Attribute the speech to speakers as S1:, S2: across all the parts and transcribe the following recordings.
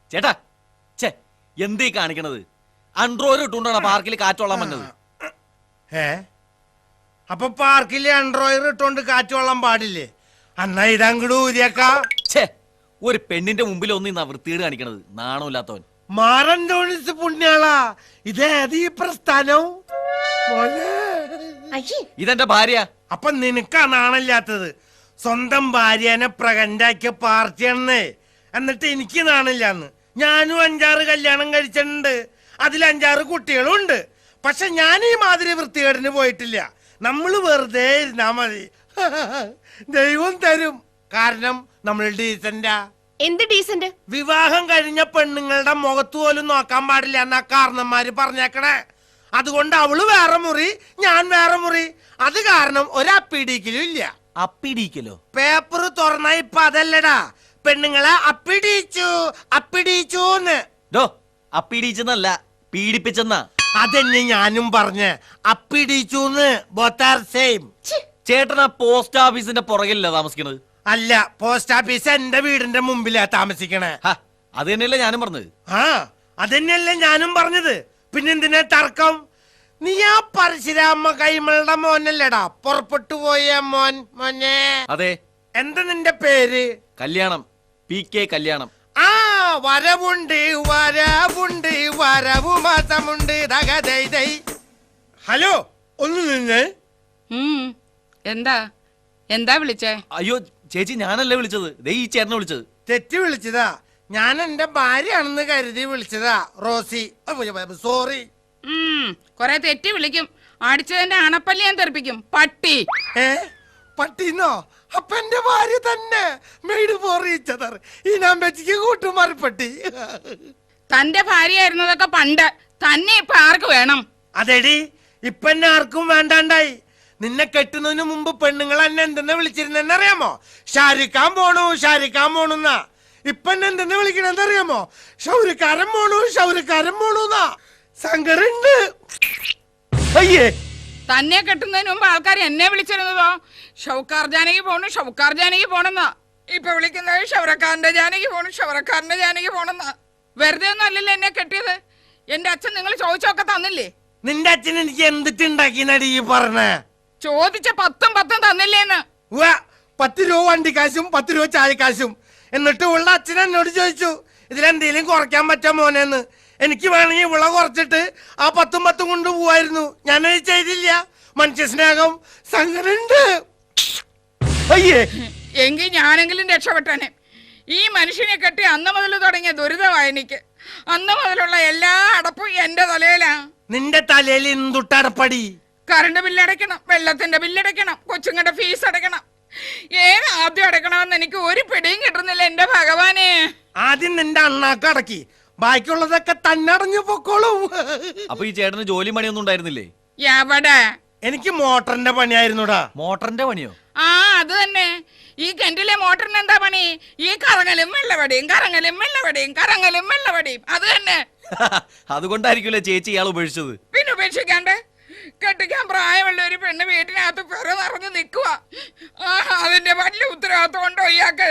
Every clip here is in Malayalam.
S1: ചേട്ടാ ചേ എന്തീ കാണിക്കണത്? അൺട്രോയിൽ ഇട്ടുകൊണ്ടാണ് പാർക്കിൽ കാറ്റോളാൻ വന്നത്.
S2: അപ്പൊ പാർക്കില് അൺട്രോയിൽ ഇട്ടോണ്ട് കാറ്റോളാൻ പാടില്ലേ? അന്നാ ഇതങ്ങട് ഊരിയേക്കാ.
S1: ഛേ, ഒരു പെണ്ണിന്റെ മുമ്പിൽ ഒന്നും വൃത്തികേട് കാണിക്കണത്. നാണമില്ലാത്തവൻ.
S2: മാറന്തോണിസ് പുണ്യാളാ, ഇതേത് ഈ പ്രസ്ഥാനം?
S1: ഇതെന്റെ ഭാര്യ.
S2: അപ്പൊ നിനക്കാ നാണില്ലാത്തത്? സ്വന്തം ഭാര്യനെ പ്രകണ്ടാക്കിയ പാർട്ടിയാണെന്നേ. എന്നിട്ട് എനിക്ക് നാണില്ലാന്ന്. ഞാനും 5-6 കല്യാണം കഴിച്ചിട്ടുണ്ട്, അതിൽ 5-6 കുട്ടികളും ഉണ്ട്. പക്ഷെ ഞാൻ ഈ മാതിരി വൃത്തികേടിന് പോയിട്ടില്ല. നമ്മള് വെറുതെ ഇരുന്നാ മതി, ദൈവം തരും. കാരണം നമ്മൾ ഡീസന്റാ.
S3: എന്ത് ഡീസന്റ്?
S2: വിവാഹം കഴിഞ്ഞ പെണ്ണുങ്ങളുടെ മുഖത്ത് പോലും നോക്കാൻ പാടില്ല എന്നാ കാരണന്മാര് പറഞ്ഞേക്കണേ. അതുകൊണ്ട് അവള് വേറെ മുറി, ഞാൻ വേറെ മുറി. അത് കാരണം ഒരപ്പിടിക്കലും ഇല്ല.
S1: അപ്പിടിക്കലോ?
S2: പേപ്പർ തുറന്ന ഇപ്പൊ അതല്ലടാ, പെണ്ണുങ്ങളെ അപ്പിടിച്ചൂന്ന്.
S1: അപ്പിടിച്ചെന്നല്ല, പീഡിപ്പിച്ചെന്നാ.
S2: അതെന്നെ ഞാനും പറഞ്ഞ്, അപ്പിടിച്ചൂന്ന്. Both are same.
S1: ചേട്ടനാ പോസ്റ്റ് ഓഫീസിന്റെ പുറകിലല്ല താമസിക്കണത്?
S2: അല്ല, പോസ്റ്റ് ഓഫീസ് എന്റെ വീടിന്റെ മുമ്പിലാ താമസിക്കണേ.
S1: അത് തന്നെയല്ലേ ഞാനും പറഞ്ഞത്.
S2: അതന്നെയല്ലേ ഞാനും പറഞ്ഞത്. പിന്നെന്തിനാ തർക്കം? നീ ആ പരശുരാമ കൈമളുടെ മോനല്ലേടാ പുറപ്പെട്ടു പോയ മോൻ? മോനെ. അതെ. എന്താ നിന്റെ പേര്?
S1: കല്യാണം. PK കല്യാണം.
S2: വരവുണ്ട് വരവുണ്ട് വരവു മാസമുണ്ട്. ഹലോ, ഒന്ന് നിന്ന്.
S4: എന്താ എന്താ വിളിച്ചേ?
S1: അയ്യോ ചേച്ചി, ഞാനല്ലേ വിളിച്ചത്. ഈ ചേട്ടനെ വിളിച്ചത്.
S2: തെറ്റി വിളിച്ചതാ. ഞാൻ എന്റെ ഭാര്യയാണെന്ന് കരുതി വിളിച്ചതാ. Rosie, sorry.
S4: കൊറേ തെറ്റി വിളിക്കും. അടിച്ചതിന്റെ അണപ്പല്ലി ഞാൻ തെറിപ്പിക്കും. പട്ടി.
S2: പട്ടിന്നോ? അപ്പൊ എന്റെ ഭാര്യ തന്നെ. മെയ്ഡ് പോറിയിച്ചതർ ഈ നമ്പച്ചിക്ക് കൂട്ടുമാറിപ്പട്ടി.
S4: തന്റെ ഭാര്യയായിരുന്നതൊക്കെ പണ്ട്. തന്നെ ഇപ്പൊ ആർക്ക് വേണം?
S2: അതെടി, ഇപ്പൊ എന്നെ ആർക്കും വേണ്ടാണ്ടായി. നിന്നെ കെട്ടുന്നതിന് മുമ്പ് പെണ്ണുങ്ങൾ എന്നെ എന്തെന്ന് വിളിച്ചിരുന്നെന്നറിയാമോ? ഷാരിക്കാൻ പോണു, ഷാരിക്കാൻ പോണുന്നാ. ഇപ്പൊ എന്നെ എന്തെന്ന് വിളിക്കണെന്നറിയാമോ? ഷൗരിക്കാരൻ പോണു, ഷൗരിക്കാരൻ പോണുന്നാ. സങ്കരുണ്ട്.
S1: അയ്യേ,
S4: തന്നെ കെട്ടുന്നതിന് മുമ്പ് ആൾക്കാർ എന്നെ വിളിച്ചിരുന്നതോ ഷൗക്കാർ ജാനകി പോണു, ഷൗക്കാർ ജാനകി പോണെന്നാ. ഇപ്പൊ വിളിക്കുന്നത് ഷൗറക്കാരന്റെ ജാനകി പോണു, ഷൗറക്കാരന്റെ ജാനകി പോണെന്നാ. വെറുതെ ഒന്നും അല്ലല്ലോ എന്നെ കെട്ടിയത്. എന്റെ അച്ഛൻ നിങ്ങൾ ചോദിച്ചൊക്കെ തന്നില്ലേ?
S2: നിന്റെ അച്ഛൻ എനിക്ക് എന്തിട്ടുണ്ടാക്കി നടി പറഞ്ഞേ?
S4: ചോദിച്ച 10 തന്നില്ലേന്ന്.
S2: 10 രൂപ വണ്ടിക്കാശും 10 രൂപ ചായക്കാശും. എന്നിട്ട് ഉള്ള അച്ഛൻ എന്നോട് ചോദിച്ചു, ഇതിലെന്തേലും കുറയ്ക്കാൻ പറ്റാ മോനെന്ന്. എനിക്ക് വേണമെങ്കിൽ വിള കുറച്ചിട്ട് ആ 10 കൊണ്ട് പോവായിരുന്നു. ഞാനത് ചെയ്തില്ല. മനുഷ്യ സ്നേഹം സങ്കരണ്ട്.
S1: അയ്യേ,
S4: എങ്കിൽ ഞാനെങ്കിലും രക്ഷപ്പെട്ടനെ. ഈ മനുഷ്യനെ കെട്ടി അന്ന് മുതൽ തുടങ്ങിയ ദുരിതമായി എനിക്ക്. അന്ന് മുതലുള്ള എല്ലാ അടപ്പും എന്റെ തലയിലാ.
S2: നിന്റെ തലയിൽ എന്തുട്ടടപ്പടി?
S4: കറണ്ട് ബില്ലടയ്ക്കണം, വെള്ളത്തിന്റെ ബില്ലടയ്ക്കണം, കൊച്ചുങ്ങളുടെ ഫീസ് അടയ്ക്കണം. ഏത് ആദ്യം അടയ്ക്കണമെന്ന് എനിക്ക് ഒരു പിടിയും കിട്ടുന്നില്ല എന്റെ ഭഗവാനെ.
S2: ആദ്യം നിന്റെ അണ്ണാക്ക് അടക്കി, ബാക്കിയുള്ളതൊക്കെ തന്നെ അടഞ്ഞു പൊക്കോളും.
S1: അപ്പൊ ഈ ചേട്ടന് ജോലി പണിയൊന്നും ഉണ്ടായിരുന്നില്ലേ?
S4: എവിടെ?
S2: എനിക്ക് മോട്ടറിന്റെ പണിയായിരുന്നുടാ.
S1: മോട്ടറിന്റെ പണിയോ?
S4: അത് തന്നെ. ഈ കിണറ്റിലെ മോട്ടറിന് എന്താ പണി? ഈ കറങ്ങലും വെള്ളവടിയും, കറങ്ങലും വെള്ളവടിയും, കറങ്ങലും വെള്ളവടിയും. അത് തന്നെ.
S1: അതുകൊണ്ടായിരിക്കുമല്ലേ ചേച്ചി ഇയാൾ ഉപേക്ഷിച്ചത്?
S4: പിന്നെ ഉപേക്ഷിക്കാണ്ട്? കെട്ടിക്കാൻ പ്രായമുള്ള ഒരു പെണ്ണ് വീട്ടിനകത്ത് പെറ നിറഞ്ഞു നിൽക്കുക. അതിന്റെ വലിയ ഉത്തരവാദിത്വം ഉണ്ടോ ഇയാൾക്ക്?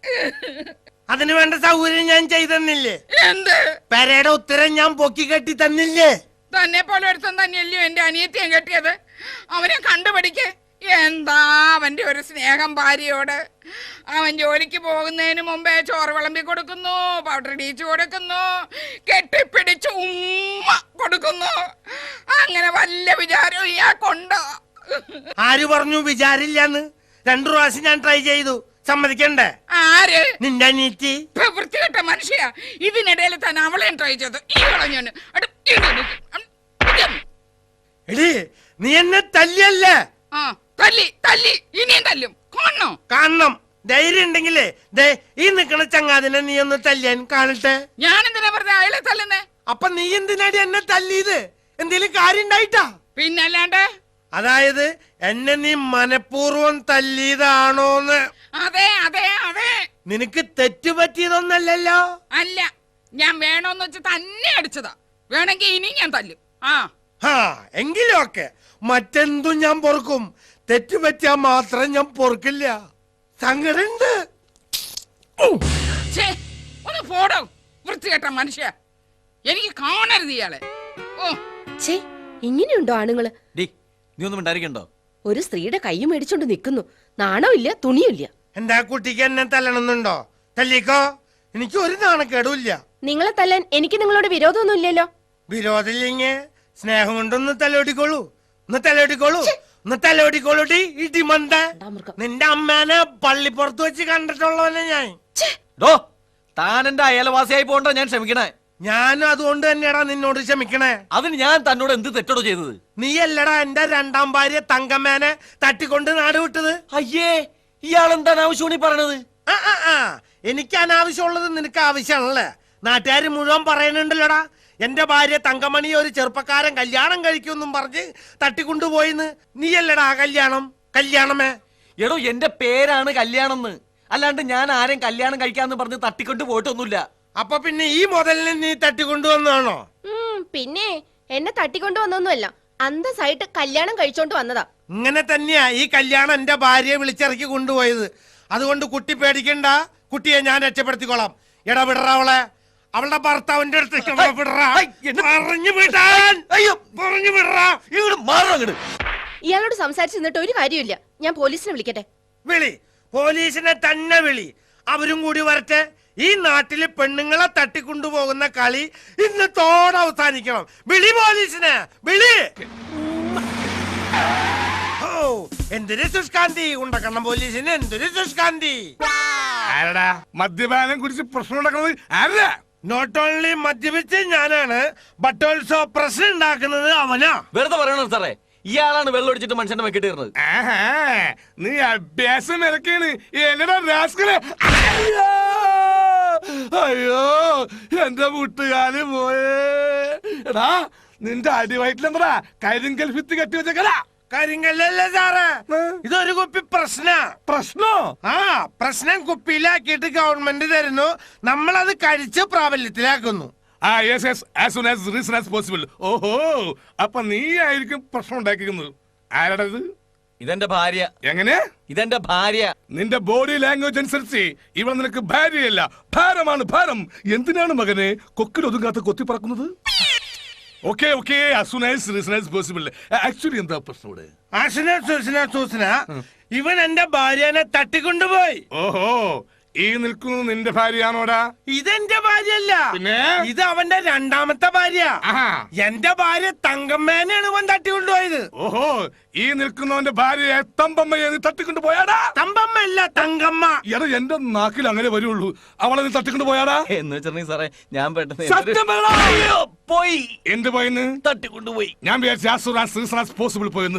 S2: അതിന് വേണ്ട സൗകര്യം ഞാൻ ചെയ്തെന്നില്ലേ?
S4: എന്ത്?
S2: പെരയുടെ ഉത്തരം ഞാൻ പൊക്കി കെട്ടി തന്നില്ലേ?
S4: തന്നെ പോലെ ഒരുത്തൻ തന്നെയല്ലയോ എന്റെ അനിയത്തിയും കെട്ടിയത്. അവനെ കണ്ടുപിടിക്ക്. എന്താ അവന്റെ ഒരു സ്നേഹം ഭാര്യയോട്. അവൻ ജോലിക്ക് പോകുന്നതിന് മുമ്പേ ചോറ് വിളമ്പി കൊടുക്കുന്നു, പൗഡർ ഇടിച്ചു കൊടുക്കുന്നു, കെട്ടിപ്പിടിച്ച് ഉമ്മ കൊടുക്കുന്നു. അങ്ങനെ വല്ല വിചാരവും ഇയാൾക്കുണ്ടോ?
S2: ആര് പറഞ്ഞു വിചാരില്ലാന്ന്? 2 പ്രാവശ്യം ഞാൻ ട്രൈ ചെയ്തു. സമ്മതിക്കണ്ടേ?
S4: ആര്?
S2: നിന്റെ അനിയത്തി.
S4: വൃത്തികെട്ട മനുഷ്യ. ഇതിനിടയിൽ തന്നെ അവളെയും ട്രൈ ചെയ്തു. ഈ കളഞ്ഞു.
S2: എടി, നീ എന്നെ തല്ലിയല്ലേ?
S4: തല്ലി തല്ലി ഇനിയും തല്ലും.
S2: കാണണം. ധൈര്യം ഉണ്ടെങ്കിലേ ദേ ഈ നിക്കണ ചങ്ങാതിനെ നീ ഒന്ന് തല്ലിയാൻ കാണട്ടെ.
S4: ഞാൻ എന്തിനാ പറഞ്ഞ അയാളെ തല്ലുന്നേ?
S2: അപ്പൊ നീ എന്തിനാടി എന്നെ തല്ലിയത്? എന്തേലും കാര്യം ഉണ്ടായിട്ടാ?
S4: പിന്നല്ലാണ്ട്.
S2: അതായത് എന്നെ നീ മനഃപൂർവ്വം തല്ലിയതാണോന്ന്?
S4: അതെ അതെ അതെ.
S2: നിനക്ക് തെറ്റുപറ്റിയതൊന്നല്ലല്ലോ?
S4: അല്ല, ഞാൻ വേണോന്ന് വെച്ച് തന്നെ അടിച്ചതാ. വേണമെങ്കിൽ ഇനി ഞാൻ തല്ലും.
S2: എങ്കിലും ഒക്കെ മറ്റെന്തും ഞാൻ പൊറുക്കും. തെറ്റുപറ്റിയാ മാത്രം ഞാൻ പൊറുക്കില്ല. സങ്കടുണ്ട്.
S4: ഒന്ന് പോടോ. വൃത്തികെട്ട മനുഷ്യ, എനിക്ക് കാണരുത് ഇയാളെ. ഓ
S3: ഛേ, ഇങ്ങനെയുണ്ടോ ആണുങ്ങള്?
S1: ഡി നീ ഒന്നും ഉണ്ടായിരിക്കണ്ടോ?
S3: ഒരു സ്ത്രീയുടെ കൈ മേടിച്ചോണ്ട് നിൽക്കുന്നു. നാണമില്ല, തുണിയില്ല.
S2: എന്റെ കുട്ടിക്ക് എന്നെ തല്ലണമെന്നുണ്ടോ? തല്ലിക്കോ, എനിക്ക് ഒരു നാണക്കേടുമില്ല.
S3: നിങ്ങളെ തല്ലാൻ എനിക്ക് നിങ്ങളോട് വിരോധമൊന്നും ഇല്ലല്ലോ.
S2: വിരോധമില്ലെങ്കിൽ സ്നേഹം കൊണ്ടൊന്ന് തലോടിക്കോളൂ. ഒന്ന് തലോടിക്കോളൂ, ഒന്ന് തലോടിക്കോളൂടി. ഇടിമന്ത, നിന്റെ അമ്മേനെ പള്ളിപ്പുറത്ത് വെച്ച് കണ്ടിട്ടുള്ളവനെ ഞാൻ.
S1: ഡോ താൻ എന്റെ അയൽവാസിയായി പോകണ്ട, ഞാൻ ക്ഷമിക്കണേ.
S2: ഞാനും അതുകൊണ്ട് തന്നെയാടാ നിന്നോട് ക്ഷമിക്കണേ.
S1: അതിന് ഞാൻ തന്നോട് എന്ത് തെറ്റടോ ചെയ്തത്?
S2: നീയല്ലടാ എന്റെ രണ്ടാം ഭാര്യ തങ്കമ്മേനെ തട്ടിക്കൊണ്ട് നാട് വിട്ടത്.
S1: അയ്യേ, ഇയാൾ എന്താണ് ആവശ്യമാണ് ഈ പറയണത്?
S2: എനിക്ക് അനാവശ്യമുള്ളത് നിനക്ക് ആവശ്യമാണല്ലേ? നാട്ടുകാർ മുഴുവൻ പറയുന്നുണ്ടല്ലോടാ, എന്റെ ഭാര്യ തങ്കമണി ഒരു ചെറുപ്പക്കാരൻ കല്യാണം കഴിക്കുമെന്നും പറഞ്ഞ് തട്ടിക്കൊണ്ടുപോയിന്ന്. നീയല്ലടാ കല്യാണമേ.
S1: എടോ എന്റെ പേരാണ് കല്യാണം എന്ന്, അല്ലാണ്ട് ഞാൻ ആരെയും കല്യാണം കഴിക്കാന്ന് പറഞ്ഞ് തട്ടിക്കൊണ്ട് പോയിട്ടൊന്നുമില്ല.
S2: അപ്പൊ പിന്നെ ഈ മുതലിനെ നീ തട്ടിക്കൊണ്ടുവന്നാണോ?
S3: പിന്നെ എന്നെ തട്ടിക്കൊണ്ടുവന്നൊന്നുമല്ല, അന്തസ്സായിട്ട് കല്യാണം കഴിച്ചോണ്ട് വന്നതാ.
S2: ഇങ്ങനെ തന്നെയാ ഈ കല്യാണം എന്റെ ഭാര്യയെ വിളിച്ചിറക്കി കൊണ്ടുപോയത്. അതുകൊണ്ട് കുട്ടി പേടിക്കണ്ട, കുട്ടിയെ ഞാൻ രക്ഷപ്പെടുത്തിക്കോളാം. എടാ വിടറ അവളെ, അവളുടെ ഭർത്താവിന്റെ അടുത്തേക്ക്
S3: ഇയാളോട് സംസാരിച്ചു നിന്നിട്ട് ഒരു കാര്യമില്ല. ഞാൻ പോലീസിനെ വിളിക്കട്ടെ?
S2: വിളി, പോലീസിനെ തന്നെ വിളി. അവരും കൂടി വരട്ടെ. ഈ നാട്ടില് പെണ്ണുങ്ങളെ തട്ടിക്കൊണ്ടുപോകുന്ന കളി ഇന്നത്തോടെ അവസാനിക്കണം. വിളി പോലീസിനെ, വിളി. ഓ എന്തൊരു സുഷ്കാന്തി, ഉണ്ടക്കണം പോലീസിന് എന്തൊരു സുഷ്കാന്തി.
S5: ആരടാ മദ്യപാനം കുറിച്ച് പ്രശ്നം ഉണ്ടാക്കുന്നത്? ആരടാ?
S2: നോട്ട് ഓൺലി മദ്യപിച്ച് ഞാനാണ്, ബട്ട് ഓൾസോ പ്രശ്നം ഉണ്ടാക്കുന്നത് അവനാ.
S1: വെറുതെ പറയണോ സാറേ, ഇയാളാണ് വെള്ളം ഒടിച്ചിട്ട് മനുഷ്യന്റെ വെക്കിട്ട് ഇരുന്നത്.
S5: ആഹാ, നീ അഭ്യാസം ഇറക്കാണ്. എന്നടാ രാസ്കലേ. അയ്യോ എന്റെ വീട്ടുകാര് പോയേ. എടാ നിന്റെ അടിവയറ്റിലെന്താ കരിങ്കൽ ഭിത്തി കെട്ടി വെച്ചേക്കടാ?
S2: കാര്യങ്ങളല്ലേ സാറേ, ഇതൊരു കുപ്പി
S5: പ്രശ്നോ?
S2: പ്രശ്നം കുപ്പിയിലാക്കിയിട്ട് ഗവൺമെന്റ് തരുന്നു, നമ്മളത് കഴിച്ച് പ്രാബല്യത്തിലാക്കുന്നു.
S5: as soon as reason as possible. ഓഹോ, അപ്പൊ നീ ആയിരിക്കും പ്രശ്നം ഉണ്ടാക്കിയിരിക്കുന്നത്. ആരാടാ ഇത്?
S1: ഇതെന്റെ ഭാര്യ.
S5: എങ്ങനെ?
S1: ഇതെന്റെ ഭാര്യ.
S5: നിന്റെ ബോഡി ലാംഗ്വേജ് അനുസരിച്ച് ഇവൾ നിനക്ക് ഭാര്യയല്ല, ഭാരമാണ്, ഭാരം. എന്തിനാണ് മകനെ കൊക്കിൽ ഒതുങ്ങാത്ത കൊത്തി പറക്കുന്നത്? Okay okay, as soon as reason as possible. Actually എന്താ പ്രശ്നം ഇവിടെ?
S2: ഇവൻ എന്റെ ഭാര്യനെ തട്ടിക്കൊണ്ടുപോയി.
S5: ഓഹോ, ഈ നിൽക്കുന്നത് നിന്റെ ഭാര്യയാണോടാ?
S2: ഇതെന്റെ ഭാര്യയല്ല,
S5: പിന്നെ
S2: ഇത് അവന്റെ രണ്ടാമത്തെ ഭാര്യ. എന്റെ ഭാര്യ തങ്കമ്മേനെയാണ് ഇവൻ തട്ടിക്കൊണ്ടുപോയത്.
S5: ഓഹോ, ഈ നിൽക്കുന്നവന്റെ ഭാര്യയെ തമ്പമ്മയെ നീ തട്ടിക്കൊണ്ട് പോയാടാ?
S2: തമ്പമ്മല്ല, തങ്കമ്മ.
S5: എടാ എന്റെ നാക്കിൽ അങ്ങനെ വരുള്ളൂ. അവളെ നീ തട്ടിക്കൊണ്ട് പോയാടാ?
S1: എന്ന് വെച്ചിട്ടുണ്ടെങ്കിൽ സാറേ, ഞാൻ പെട്ടെന്ന്
S5: സത്യം പറയടാ.
S1: പോയി.
S5: എന്ത് പോയിന്ന്?
S1: തട്ടിക്കൊണ്ടുപോയി.
S5: ഞാൻ വിചാരിച്ചു പോസിബിൾ പോയെന്ന്.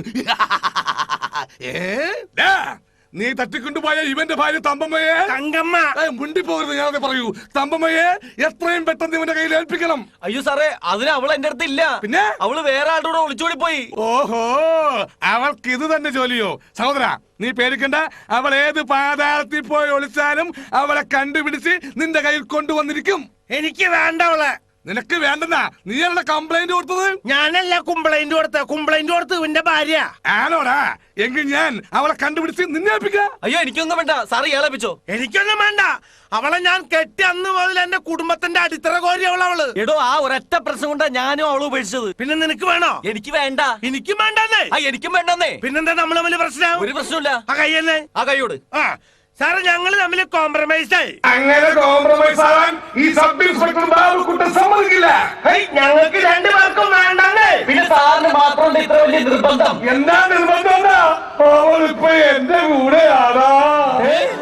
S5: നീ തട്ടിക്കൊണ്ടുപോയ ഇവന്റെ ഭാര്യ തമ്പമ്മയെ
S2: തങ്കമ്മ
S5: മുണ്ടി പോകരുത്. ഞാനത് പറയൂ, തമ്പമ്മയെ എത്രയും പെട്ടെന്ന് ഇവന്റെ കയ്യിൽ ഏൽപ്പിക്കണം.
S1: അയ്യോ സാറേ, അതിന് അവൾ എന്റെ അടുത്ത് ഇല്ല.
S5: പിന്നെ
S1: അവള് വേറെ ആളുടെ കൂടെ ഒളിച്ചോടി പോയി.
S5: ഓഹോ, അവൾക്ക് ഇത് തന്നെ ജോലിയോ? സഹോദര നീ പേടിക്കണ്ട, അവൾ ഏത് പാതാളത്തിൽ പോയി ഒളിച്ചാലും അവളെ കണ്ടുപിടിച്ച് നിന്റെ കയ്യിൽ കൊണ്ടുവന്നിരിക്കും.
S2: എനിക്ക് വേണ്ട അവളെ.
S5: നിനക്ക് വേണ്ടെന്നാ നീയല്ല കംപ്ലൈന്റ് കൊടുത്തത്?
S2: ഞാനല്ല കംപ്ലൈന്റ് കൊടുത്ത് ഇവന്റെ ഭാര്യ
S5: ആണോടാ? എങ്കിൽ ഞാൻ അവളെ കണ്ടുപിടിച്ച് നിന്നെ ഏൽപ്പിക്കാം.
S1: അയ്യോ എനിക്കൊന്നും വേണ്ട സാറ് ഇയാളേപ്പിച്ചോ.
S2: എനിക്കൊന്നും വേണ്ട. അവളെ ഞാൻ കെട്ടി അന്ന് മുതൽ എന്റെ കുടുംബത്തിന്റെ അടിത്തറ കോരി അവള്.
S1: എടോ ആ ഒരൊറ്റ പ്രശ്നം കൊണ്ടാ ഞാനും അവള് ഉപേക്ഷിച്ചത്.
S2: പിന്നെ നിനക്ക് വേണോ?
S1: എനിക്ക് വേണ്ട.
S2: എനിക്കും വേണ്ടെന്നേ.
S1: എനിക്കും വേണ്ടെന്നേ.
S2: പിന്നെന്താ നമ്മൾ തമ്മിൽ പ്രശ്നം?
S1: ഒരു പ്രശ്നമില്ല.
S2: ആ കയ്യല്ലേ?
S1: ആ കൈയോട്.
S2: സാറ് ഞങ്ങള് തമ്മിൽ കോംപ്രമൈസ് ആയി.
S5: അങ്ങനെ കോംപ്രമൈസ് ആവാൻ ഈ സബ് ഇൻസ്പെക്ടർ ബാബുക്കുട്ടൻ സമ്മതിക്കില്ല.
S2: ഞങ്ങൾക്ക് രണ്ടുപേർക്കും വേണ്ടെന്നേ.
S1: പിന്നെ സാറിന് മാത്രം ഇത്ര വലിയ നിർബന്ധം?
S5: എന്താ നിർബന്ധം? അവളിപ്പോ എന്റെ കൂടെയാടാ.